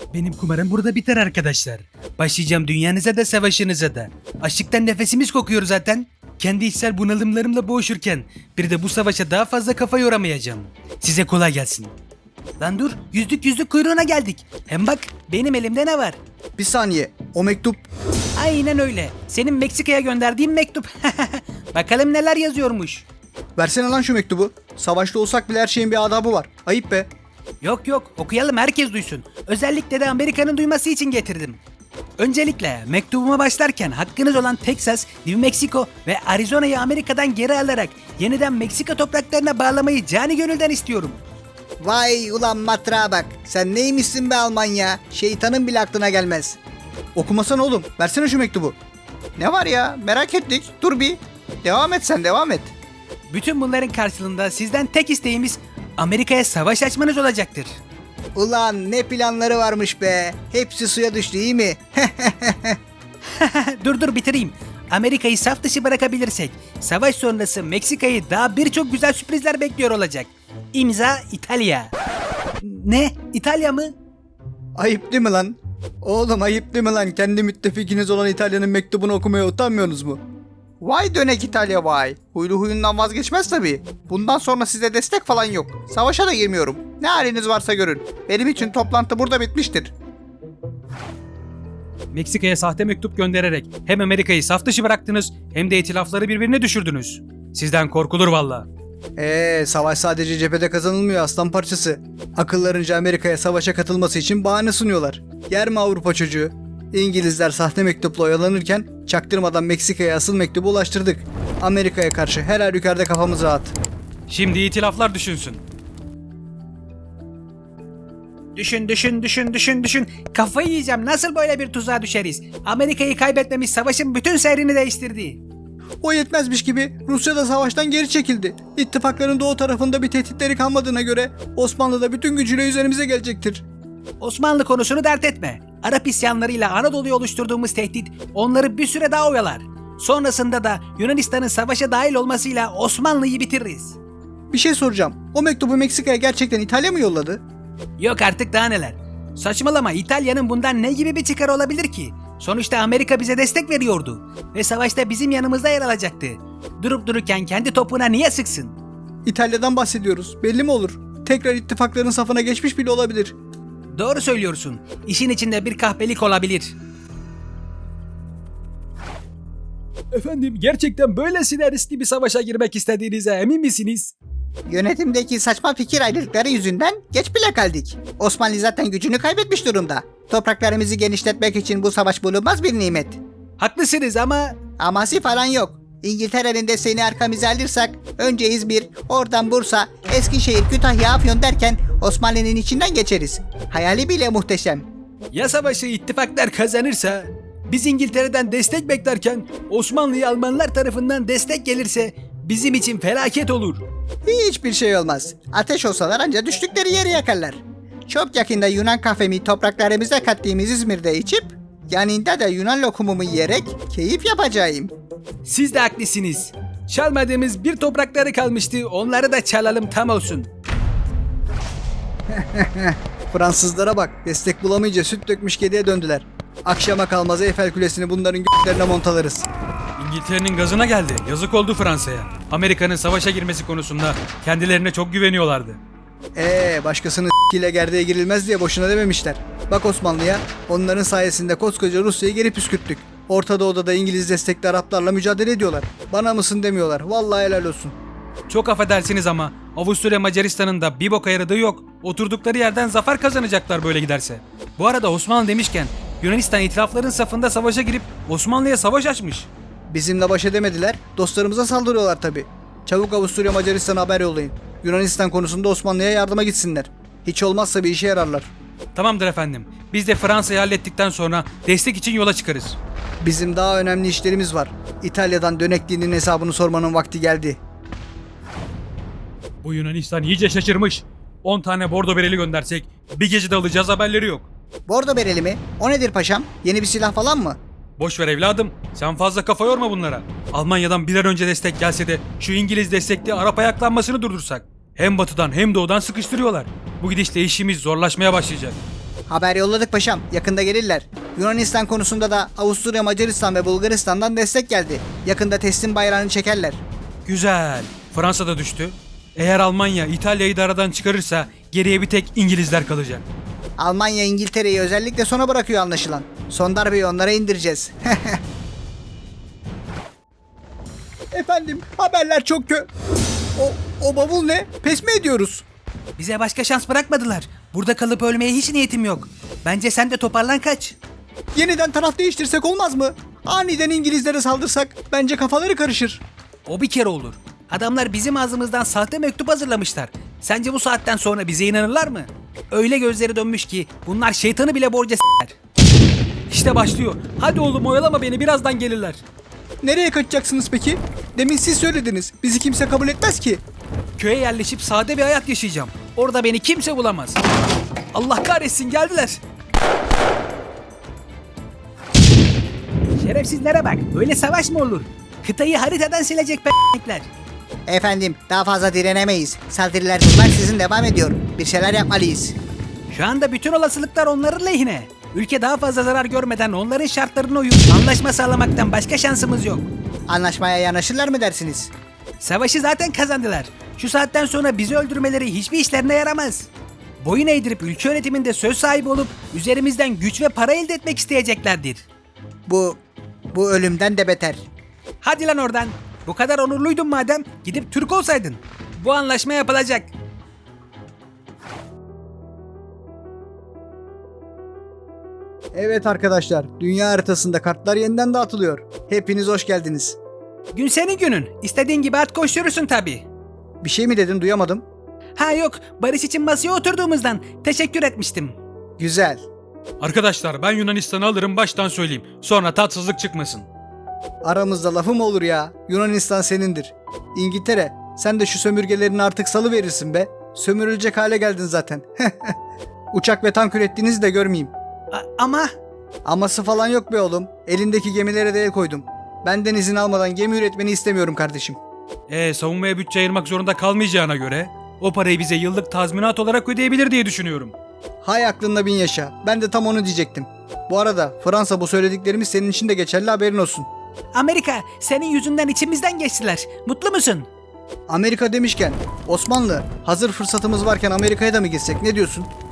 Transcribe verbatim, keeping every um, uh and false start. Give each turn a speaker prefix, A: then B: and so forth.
A: Benim kumarım burada biter arkadaşlar. Başlayacağım dünyanıza da savaşınıza da. Açlıktan nefesimiz kokuyor zaten. Kendi içsel bunalımlarımla boğuşurken bir de bu savaşa daha fazla kafa yoramayacağım. Size kolay gelsin. Lan dur, yüzlük yüzlük kuyruğuna geldik. Hem bak benim elimde ne var?
B: Bir saniye. O mektup...
A: Aynen öyle. Senin Meksika'ya gönderdiğin mektup. Bakalım neler yazıyormuş.
B: Versene lan şu mektubu. Savaşta olsak bile her şeyin bir adabı var. Ayıp be.
A: Yok yok, okuyalım herkes duysun. Özellikle de Amerika'nın duyması için getirdim. Öncelikle mektubuma başlarken hakkınız olan Texas, New Mexico ve Arizona'yı Amerika'dan geri alarak yeniden Meksika topraklarına bağlamayı cani gönülden istiyorum.
B: Vay ulan matrağa bak. Sen neymişsin be Almanya? Şeytanın bile aklına gelmez. Okumasana oğlum. Versene şu mektubu. Ne var ya? Merak ettik. Dur bir. Devam et sen devam et.
A: Bütün bunların karşılığında sizden tek isteğimiz Amerika'ya savaş açmanız olacaktır.
B: Ulan ne planları varmış be. Hepsi suya düştü iyi mi?
A: Dur dur bitireyim. Amerika'yı saf dışı bırakabilirsek savaş sonrası Meksika'yı daha birçok güzel sürprizler bekliyor olacak. İmza İtalya. Ne? İtalya mı?
B: Ayıp değil mi lan? Oğlum ayıp değil mi lan? Kendi müttefikiniz olan İtalya'nın mektubunu okumaya utanmıyorsunuz mu? Vay dönek İtalya vay. Huylu huyundan vazgeçmez tabii. Bundan sonra size destek falan yok. Savaşa da girmiyorum. Ne haliniz varsa görün. Benim için toplantı burada bitmiştir.
A: Meksika'ya sahte mektup göndererek hem Amerika'yı saf dışı bıraktınız hem de itilafları birbirine düşürdünüz. Sizden korkulur valla.
B: Eee savaş sadece cephede kazanılmıyor aslan parçası. Akıllarınca Amerika'ya savaşa katılması için bahane sunuyorlar. Yer mi Avrupa çocuğu? İngilizler sahte mektupla oyalanırken çaktırmadan Meksika'ya asıl mektubu ulaştırdık. Amerika'ya karşı her halükarda kafamız rahat.
A: Şimdi itilaflar düşünsün. Düşün düşün düşün düşün düşün. Kafayı yiyeceğim, nasıl böyle bir tuzağa düşeriz? Amerika'yı kaybetmemiz savaşın bütün seyrini değiştirdi.
B: O yetmezmiş gibi Rusya da savaştan geri çekildi. İttifakların doğu tarafında bir tehditleri kalmadığına göre Osmanlı da bütün gücüyle üzerimize gelecektir.
A: Osmanlı konusunu dert etme. Arap isyanlarıyla Anadolu'yu oluşturduğumuz tehdit onları bir süre daha oyalar. Sonrasında da Yunanistan'ın savaşa dahil olmasıyla Osmanlı'yı bitiririz.
B: Bir şey soracağım. O mektubu Meksika'ya gerçekten İtalya mı yolladı?
A: Yok artık daha neler. Saçmalama, İtalya'nın bundan ne gibi bir çıkarı olabilir ki? Sonuçta Amerika bize destek veriyordu. Ve savaşta bizim yanımızda yer alacaktı. Durup dururken kendi topuğuna niye sıksın?
B: İtalya'dan bahsediyoruz. Belli mi olur? Tekrar ittifakların safına geçmiş bile olabilir.
A: Doğru söylüyorsun. İşin içinde bir kahpelik olabilir. Efendim, gerçekten böylesine riskli bir savaşa girmek istediğinize emin misiniz?
B: Yönetimdeki saçma fikir ayrılıkları yüzünden geç bile kaldık. Osmanlı zaten gücünü kaybetmiş durumda. Topraklarımızı genişletmek için bu savaş bulunmaz bir nimet.
A: Haklısınız ama...
B: Aması falan yok. İngiltere'nin desteğini arkamıza alırsak önce İzmir, oradan Bursa, Eskişehir, Kütahya, Afyon derken Osmanlı'nın içinden geçeriz. Hayali bile muhteşem.
A: Ya savaşı ittifaklar kazanırsa? Biz İngiltere'den destek beklerken Osmanlı'ya Almanlar tarafından destek gelirse bizim için felaket olur.
B: Hiçbir şey olmaz. Ateş olsalar ancak düştükleri yeri yakarlar. Çok yakında Yunan kahvemi topraklarımıza kattığımız İzmir'de içip yanında da Yunan lokumumu yiyerek keyif yapacağım.
A: Siz de haklısınız. Çalmadığımız bir toprakları kalmıştı, onları da çalalım tam olsun.
B: Fransızlara bak, destek bulamayınca süt dökmüş kediye döndüler. Akşama kalmaz Eyfel Kulesi'ni bunların göklerine montalarız.
A: İngiltere'nin gazına geldi. Yazık oldu Fransa'ya. Amerika'nın savaşa girmesi konusunda kendilerine çok güveniyorlardı.
B: Eee başkasının ile gerdeğe girilmez diye boşuna dememişler. Bak Osmanlı'ya, onların sayesinde koskoca Rusya'yı geri püskürttük. Orta Doğu'da da İngiliz destekli Araplarla mücadele ediyorlar. Bana mısın demiyorlar. Vallahi helal olsun.
A: Çok affedersiniz ama Avusturya Macaristan'ın da bir boka yaradığı yok. Oturdukları yerden zafer kazanacaklar böyle giderse. Bu arada Osmanlı demişken Yunanistan itilafların safında savaşa girip Osmanlı'ya savaş açmış.
B: Bizimle baş edemediler. Dostlarımıza saldırıyorlar tabi. Çabuk Avusturya Macaristan'a haber yollayın. Yunanistan konusunda Osmanlı'ya yardıma gitsinler. Hiç olmazsa bir işe yararlar.
A: Tamamdır efendim. Biz de Fransa'yı hallettikten sonra destek için yola çıkarız.
B: Bizim daha önemli işlerimiz var. İtalya'dan dönekliğinin hesabını sormanın vakti geldi.
A: Bu Yunanistan iyice şaşırmış. on tane bordo bereli göndersek bir gecede alacağız haberleri yok.
B: Bordo bereli mi? O nedir paşam? Yeni bir silah falan mı?
A: Boş ver evladım. Sen fazla kafa yorma bunlara. Almanya'dan bir an önce destek gelse de şu İngiliz destekli Arap ayaklanmasını durdursak. Hem batıdan hem doğudan sıkıştırıyorlar. Bu gidişle işimiz zorlaşmaya başlayacak.
B: Haber yolladık paşam. Yakında gelirler. Yunanistan konusunda da Avusturya, Macaristan ve Bulgaristan'dan destek geldi. Yakında teslim bayrağını çekerler.
A: Güzel. Fransa da düştü. Eğer Almanya İtalya'yı da aradan çıkarırsa geriye bir tek İngilizler kalacak.
B: Almanya İngiltere'yi özellikle sona bırakıyor anlaşılan. Son darbeyi onlara indireceğiz. Efendim, haberler çok kö... O, o bavul ne? Pes mi ediyoruz?
A: Bize başka şans bırakmadılar. Burada kalıp ölmeye hiç niyetim yok. Bence sen de toparlan kaç.
B: Yeniden taraf değiştirsek olmaz mı? Aniden İngilizlere saldırsak bence kafaları karışır.
A: O bir kere olur. Adamlar bizim ağzımızdan sahte mektup hazırlamışlar. Sence bu saatten sonra bize inanırlar mı? Öyle gözleri dönmüş ki bunlar şeytanı bile borca s**ler. İşte başlıyor. Hadi oğlum oyalama beni, birazdan gelirler.
B: Nereye kaçacaksınız peki? Demin siz söylediniz. Bizi kimse kabul etmez ki.
A: Köye yerleşip sade bir hayat yaşayacağım. Orada beni kimse bulamaz. Allah kahretsin, geldiler. Şerefsizlere bak. Böyle savaş mı olur? Kıtayı haritadan silecek p***ler.
B: Efendim, daha fazla direnemeyiz. Saldırılar bunlar sizin devam ediyor. Bir şeyler yapmalıyız.
A: Şu anda bütün olasılıklar onların lehine. Ülke daha fazla zarar görmeden onların şartlarına uyup anlaşma sağlamaktan başka şansımız yok.
B: Anlaşmaya yanaşırlar mı dersiniz?
A: Savaşı zaten kazandılar. Şu saatten sonra bizi öldürmeleri hiçbir işlerine yaramaz. Boyun eğdirip ülke yönetiminde söz sahibi olup üzerimizden güç ve para elde etmek isteyeceklerdir.
B: Bu, bu ölümden de beter.
A: Hadi lan oradan. Bu kadar onurluydun madem, gidip Türk olsaydın. Bu anlaşma yapılacak.
B: Evet arkadaşlar, dünya haritasında kartlar yeniden dağıtılıyor. Hepiniz hoş geldiniz.
A: Gün senin günün. İstediğin gibi at koşturursun tabii.
B: Bir şey mi dedin, duyamadım.
A: Ha yok, barış için masaya oturduğumuzdan teşekkür etmiştim.
B: Güzel.
A: Arkadaşlar, ben Yunanistan'ı alırım, baştan söyleyeyim. Sonra tatsızlık çıkmasın.
B: Aramızda lafı mı olur ya? Yunanistan senindir. İngiltere, sen de şu sömürgelerini artık salıverirsin be. Sömürülecek hale geldin zaten. Uçak ve tank ürettiğinizi de görmeyeyim.
A: A- ama...
B: Aması falan yok be oğlum. Elindeki gemilere de el koydum. Benden izin almadan gemi üretmeni istemiyorum kardeşim.
A: Ee, savunmaya bütçe ayırmak zorunda kalmayacağına göre o parayı bize yıllık tazminat olarak ödeyebilir diye düşünüyorum.
B: Hay aklında bin yaşa. Ben de tam onu diyecektim. Bu arada Fransa, bu söylediklerimiz senin için de geçerli, haberin olsun.
A: Amerika, senin yüzünden içimizden geçtiler. Mutlu musun?
B: Amerika demişken Osmanlı, hazır fırsatımız varken Amerika'ya da mı gitsek, ne diyorsun?